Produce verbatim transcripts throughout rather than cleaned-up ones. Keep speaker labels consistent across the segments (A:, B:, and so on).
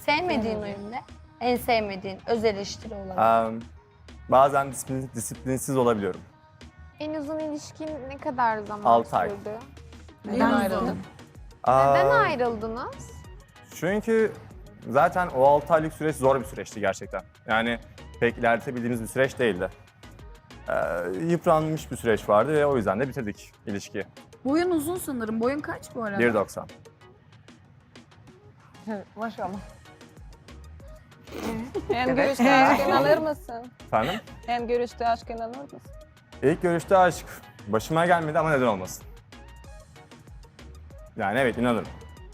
A: Sevmediğin oyun ne? En sevmediğin öz eleştiri olan.
B: Um, bazen disiplin, disiplinsiz olabiliyorum.
C: En uzun ilişkin ne kadar zaman
B: Altı ay.
C: sürdü?
D: Neden ayrıldın?
C: Neden
B: Aa,
C: ayrıldınız?
B: Çünkü zaten o altı aylık süreç zor bir süreçti gerçekten. Yani pek ilerletebildiğimiz bir süreç değildi. Ee, yıpranmış bir süreç vardı ve o yüzden de bitirdik ilişkiyi.
D: Boyun uzun sanırım. Boyun kaç bu arada?
B: bir doksan.
E: Maşallah. Hem görüşte aşk inanır mısın?
B: Efendim?
E: Hem görüşte aşk inanır mısın?
B: İlk görüşte aşk başıma gelmedi ama neden olmasın? Yani evet inanırım.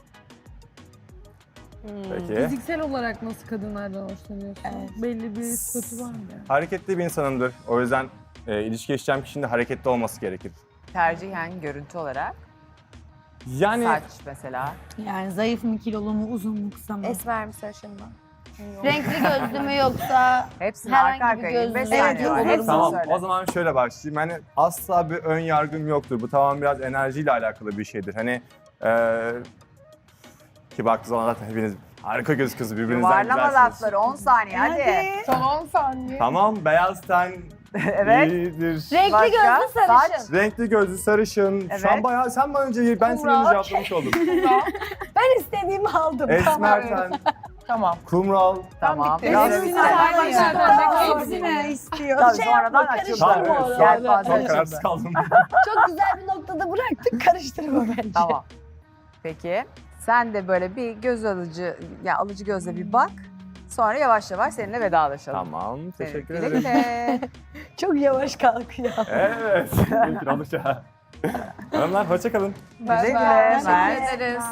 B: Peki.
F: Fiziksel olarak nasıl kadınlardan hoşlanıyorsun? Belli bir statü var mı? Yani?
B: Hareketli bir insanımdır. O yüzden e, ilişki yaşayacağım kişinin de hareketli olması gerekir.
G: Tercihen görüntü olarak.
B: Yani
G: Saç mesela.
F: Yani zayıf mı, kilolu mu, uzun mu, kısa mı?
E: Esmer mi sarışın mı?
A: Renkli gözlü mü yoksa
G: Hepsini
A: herhangi
G: arka
A: bir
G: arkaya yirmi beş
A: gözlü-
G: saniye var.
A: Evet,
G: Hepsini
B: tamam
G: söyle.
B: o zaman şöyle başlayayım. Hani asla bir ön yargım yoktur. Bu tamam biraz enerjiyle alakalı bir şeydir. Hani e, ki baktığı zaman zaten hepiniz harika gözüküyorsunuz birbirinizden
G: Yuvarlama
B: güzelsiniz.
G: lafları on saniye hadi.
E: Son on saniye.
B: Tamam beyaz ten
G: Evet.
B: iyidir.
A: renkli
G: Başka?
A: gözlü sarışın.
G: Saç.
B: Renkli gözlü sarışın.
G: Evet.
B: Şu an bayağı sen bana önce ben seni önce cevaplamış oldum.
A: Ben istediğimi aldım.
B: Esmer ten,
E: Tamam.
B: kumral.
G: Tamam.
E: bitti.
G: Biraz
E: Hepsini
G: bir saniye.
E: saymayın.
F: Hepsine istiyor.
G: Tabii
A: Şey
G: sonradan
A: yapma,
G: açıldı.
B: Tamam,
A: Karıştırma
B: evet,
A: orada.
G: Yelpaze
B: Çok
G: açıldı.
B: kararsız kaldım.
A: Çok güzel bir noktada bıraktık. Karıştırma bence.
G: Tamam. Peki. Sen de böyle bir göz alıcı, ya alıcı gözle bir bak. Sonra yavaş yavaş seninle vedalaşalım.
B: Tamam, teşekkür
G: Evet,
B: ederim.
G: güle güle.
A: Çok yavaş kalkıyor.
B: Evet, mümkün olursa. Hanımlar, hoşça kalın.
G: Güle güle.
C: Teşekkür
G: Mert.
C: ederiz.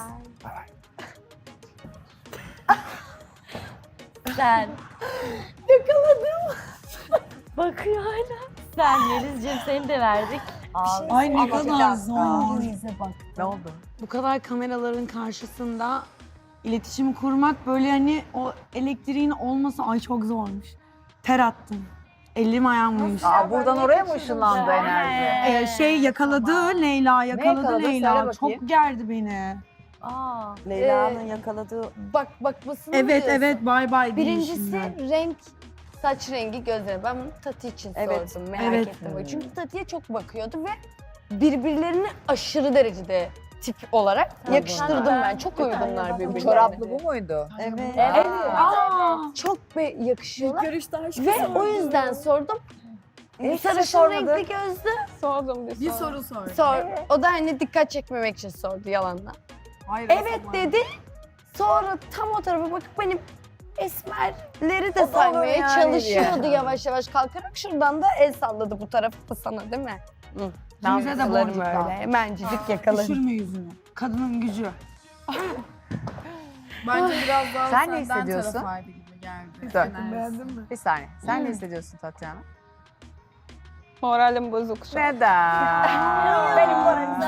A: Sen. Yakaladım. Bakıyor hala. Sen Yelizciğim seni de verdik.
F: Ay ne
G: Ama bir
F: kadar
G: dakika.
F: zor.
A: bak.
G: Ne oldu?
F: Bu kadar kameraların karşısında iletişim kurmak böyle hani o elektriğin olması ay çok zormuş. Ter attım. Elim ayağım uyuştu.
G: Aa, buradan oraya mı ışınlandı enerji?
F: Ee, şey yakaladı Leyla, yakaladı
G: yakaladı? Söyle
F: Leyla.
G: bakayım.
F: Çok gerdi beni.
A: Aa,
E: Leyla'nın
A: e,
E: yakaladığı...
A: Bak bakmasını
F: Evet
A: diyorsun.
F: evet bay bay
A: Birincisi
F: değişimler.
A: renk, saç rengi, gözleri. Ben bunu Tati için
E: Evet.
A: sordum. Merak
F: Evet.
A: ettim. böyle. Çünkü Tati'ye çok bakıyordu ve birbirlerini aşırı derecede tip olarak yakıştırdım ben. Çok uygunlar birbirlerine.
G: Çoraplı bu muydu?
E: Evet.
A: Evet.
F: Aa,
A: Çok be yakışıyorlar.
F: görüşte aşk
A: Ve o yüzden sordum.
G: Hiç
A: Sarışın
G: sormadı.
A: renkli gözlü.
E: Sordum bir,
F: bir
E: soru.
F: soru sor.
A: Sor. O da hani dikkat çekmemek için sordu yalanla.
F: Hayır,
A: Evet
F: o zaman.
A: dedi. Sonra tam o tarafa bakıp benim esmerleri de
G: O da olur
A: saymaya
G: yani
A: çalışıyordu
G: diye.
A: yavaş yavaş kalkarak. Şuradan da el salladı bu tarafı da sana değil mi? Hı.
F: Bize de
A: Damlalarım
F: boncuk
A: öyle.
F: dağıt.
A: Hemencik yakalarım.
F: Düşürme yüzünü. Kadının gücü.
D: Bence biraz daha
G: Sen ne
D: senden
G: hissediyorsun?
D: tarafaydı gibi geldi.
G: Dön.
F: Beğendin mi?
G: Bir saniye. Sen ne hissediyorsun Tatyana?
E: Moralim bozuk şu an.
G: Neden?
A: Benim moralim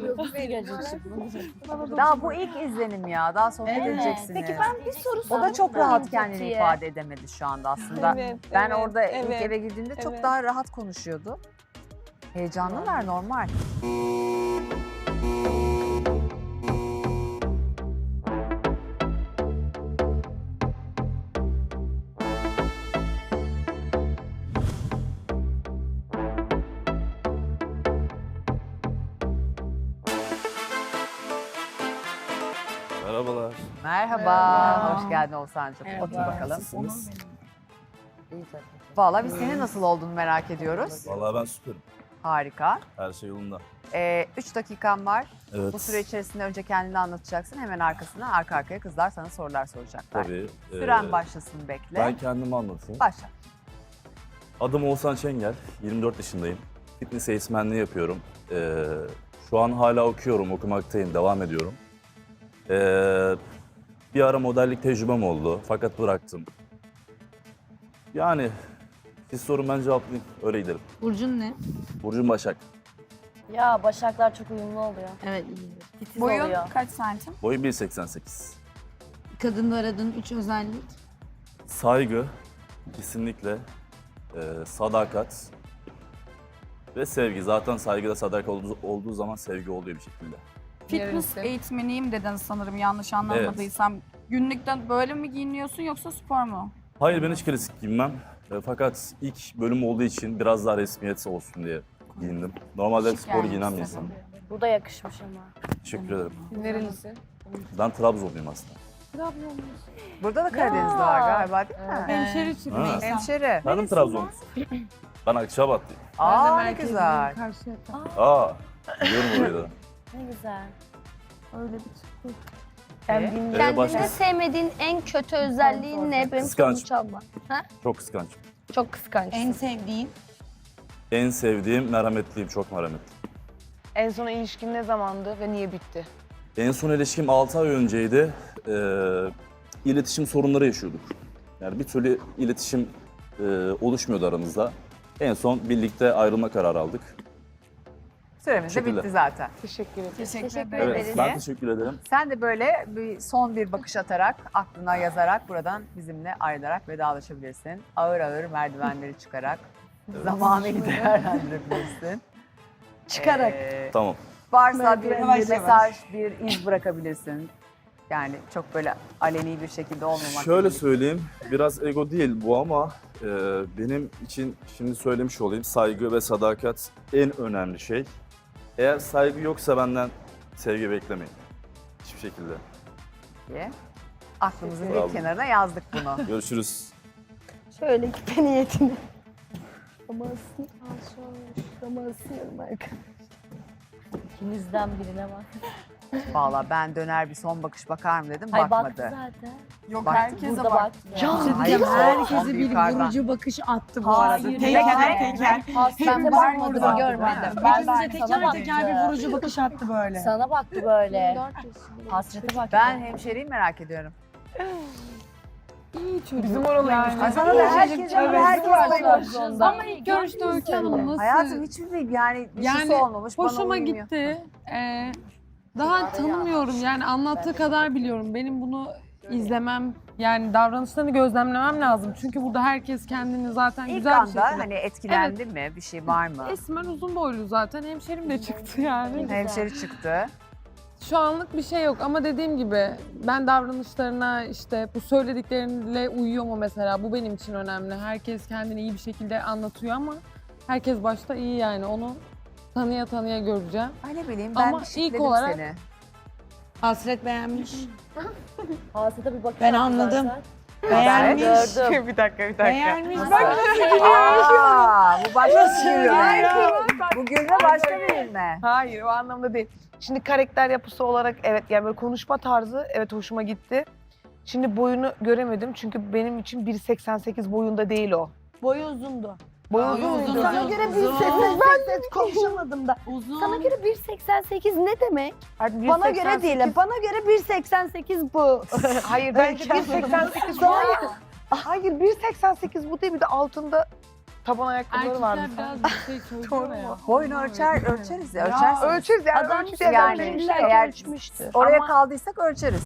G: Daha bu ilk izlenim ya. Daha sohbet
F: Evet.
G: edeceksiniz.
A: Peki ben bir soru
G: O
A: sordum.
G: da çok rahat kendini
A: Tati'ye.
G: ifade edemedi şu anda aslında.
E: Evet,
G: Ben
E: evet,
G: orada ilk
E: evet.
G: eve girdiğimde çok
E: evet.
G: daha rahat konuşuyordu. Heyecanlılar normal.
H: Merhabalar.
G: Merhaba.
F: Merhaba.
G: Hoş geldin Oğuzhan'cığım.
F: Merhaba.
G: Otur bakalım.
H: Nasılsınız?
G: Valla biz senin nasıl olduğunu merak ediyoruz.
H: Vallahi ben süperim.
G: Harika.
H: Her şey yolunda.
G: Ee, üç dakikan var.
H: Evet.
G: Bu süre içerisinde önce kendini anlatacaksın. Hemen arkasından arka arkaya kızlar sana sorular soracaklar.
H: Tabii.
G: Süren
H: Ee,
G: başlasın bekle.
H: Ben kendimi anlatayım.
G: Başla.
H: Adım Oğuzhan Çengel. yirmi dört yaşındayım. Fitness eğitmenliği yapıyorum. Ee, şu an hala okuyorum, okumaktayım, devam ediyorum. Ee, bir ara modellik tecrübem oldu fakat bıraktım. Yani siz sorun ben cevaplayayım, öyle gidelim.
F: Burcun ne?
H: Burcum Başak.
A: Ya başaklar çok uyumlu oluyor.
F: Evet iyidir.
A: Titiz
D: Boyun
A: oluyor.
D: kaç santim?
H: Boyum bir seksen sekiz.
F: Kadında aradığın üç özellik.
H: Saygı, kesinlikle. Ee, sadakat ve sevgi. Zaten saygıda sadakat olduğu, olduğu zaman sevgi oluyor bir şekilde.
D: Fitness eğitmeniyim dedin sanırım yanlış anlamadıysam. Günlükten böyle mi giyiniyorsun yoksa spor mu?
H: Hayır ben hiç klasik giymem. E, fakat ilk bölüm olduğu için biraz daha resmiyet olsun diye giyindim. Normalde spor giyinen bir insanım.
I: Bu da yakışmış ama.
H: Teşekkür ederim.
E: Nerelisin?
H: Ben Trabzonluyum aslında.
G: Burada da Karadenizli var galiba değil mi?
F: Hemşeri çıktı
H: Ha.
F: Nisan.
G: Hemşeri.
H: Ben de Trabzonlusun. Ben Akçabatlıyım.
G: Aa ne güzel.
H: Aa, biliyorum orayı da.
I: Ne güzel.
G: Yani
H: Ee,
A: Kendinde
H: başka-
A: sevmediğin en kötü özelliğin ne? Benim
H: Kıskanç.
A: sonuç çalma.
H: Çok kıskançım.
A: Çok kıskançsın.
F: En sevdiğin?
H: En sevdiğim merhametliyim, çok merhametli.
E: En son ilişkin ne zamandı ve niye bitti?
H: En son ilişkim altı ay önceydi. Ee, iletişim sorunları yaşıyorduk. Yani bir türlü iletişim e, oluşmuyordu aramızda. En son birlikte ayrılma kararı aldık.
G: süremiz de
H: Teşekkürler.
G: bitti zaten.
E: Teşekkür ederim.
C: Teşekkür
H: Evet,
C: ederiz.
H: ben teşekkür ederim.
G: Sen de böyle bir son bir bakış atarak, aklına yazarak buradan bizimle ayrılarak vedalaşabilirsin. Ağır ağır merdivenleri çıkarak zamanını değerlendirebilirsin.
A: Çıkarak.
G: Ee,
H: Tamam.
G: varsa bir
F: Yavaş yavaş.
G: mesaj, bir iz bırakabilirsin. Yani çok böyle aleni bir şekilde olmamak.
H: Şöyle
G: gerekiyor.
H: söyleyeyim, biraz ego değil bu ama e, benim için şimdi söylemiş olayım, saygı ve sadakat en önemli şey. Eğer saygı yoksa benden sevgi beklemeyin. Hiçbir şekilde.
G: diye. Aklımızın
H: Bravo.
G: bir kenarına yazdık bunu.
H: Görüşürüz.
A: Şöyle küpe niyetini. Ama ısın, ama ısınıyorum arkadaşlar.
I: İkinizden birine bak.
G: Valla ben döner bir son bakış bakar mı dedim,
I: Ay
G: bakmadı.
I: baktı zaten.
E: Yok
G: Bak,
E: herkese
I: Burada
E: bak.
I: baktı.
F: Ya,
G: Hayır,
F: diyeceğim,
G: son-
F: herkese
G: son
F: bir
G: yukarıdan.
F: vurucu bakış attı bu arada.
I: Hayır,
F: Teker
G: ben-
F: teker.
I: Hasrete
F: Hepimiz
I: bakmadı
F: burada.
I: görmedim.
F: Hepimize
I: sana
F: teker teker bir
I: baktı.
F: vurucu bakış attı böyle.
I: Sana baktı böyle.
C: dört yaşında.
I: Hasrete baktı.
G: Ben hemşeriyi merak ediyorum.
E: Bizim oralıymış.
G: Ay sana da herkes,
E: Evet,
G: herkes
E: var.
G: bayılır.
J: Ama ilk görüşte Öykü Hanım nasıl?
G: Hayatım hiçbir şey yani bir
J: Yani
G: şeysi olmamış. bana
J: Hoşuma
G: uymuyor.
J: gitti. Ee, daha tanımıyorum yani anlattığı kadar biliyorum. Benim bunu izlemem yani davranışlarını gözlemlemem lazım. Çünkü burada herkes kendini zaten
G: İlk
J: güzel bir
G: anda
J: şekilde...
G: hani etkilendi mi? Bir şey var mı?
J: Esmer uzun boylu zaten hemşerim de çıktı yani.
G: Hemşeri çıktı.
J: Şu anlık bir şey yok ama dediğim gibi ben davranışlarına işte bu söyledikleriyle uyuyor mu mesela bu benim için önemli. Herkes kendini iyi bir şekilde anlatıyor ama herkes başta iyi yani onu tanıya tanıya göreceğim.
G: Ay ne bileyim ben
J: Ama
G: bir
J: ilk
G: şıkledim
J: olarak-
G: seni.
F: Hasret beğenmiş.
I: Hasrete bir bakış
F: Ben
I: attı
F: anladım.
I: zaten.
F: Beğenmiş.
I: Gördüm.
E: bir dakika bir dakika.
F: Beğenmiş.
I: Nasıl?
F: Bak
G: Aa, bu başka bir gülme. Bu gülme başka bir gülme.
E: Hayır o anlamda değil. Şimdi karakter yapısı olarak evet yani böyle konuşma tarzı evet hoşuma gitti. Şimdi boyunu göremedim çünkü benim için bir seksen sekiz boyunda değil o.
A: Boyu uzundu.
E: Boyu
F: Ay,
E: uzun
F: uzun,
E: muydu?
A: Sana
F: uzun,
A: göre
F: uzun.
A: bir seksen sekiz konuşamadım da.
F: Uzun.
A: Sana göre bir seksen sekiz ne demek?
E: Hadi bir
A: Bana
E: seksen
A: göre değil.
E: sekiz
A: Bana göre bir seksen sekiz bu.
E: Hayır bence bir seksen sekiz bu. Hayır bir seksen sekiz bu değil bir de altında taban ayakkabıları vardı.
J: Erkekler biraz bir şey söylüyor ya.
G: Boyunu ölçer, ölçeriz ya, ölçersiniz.
E: Ölçeriz yani.
G: Adam
E: ölçüsü yani.
G: yani
E: böyle bir şey yok.
G: eğer
A: ölçmüştü.
G: oraya
E: Ama-
G: kaldıysak ölçeriz.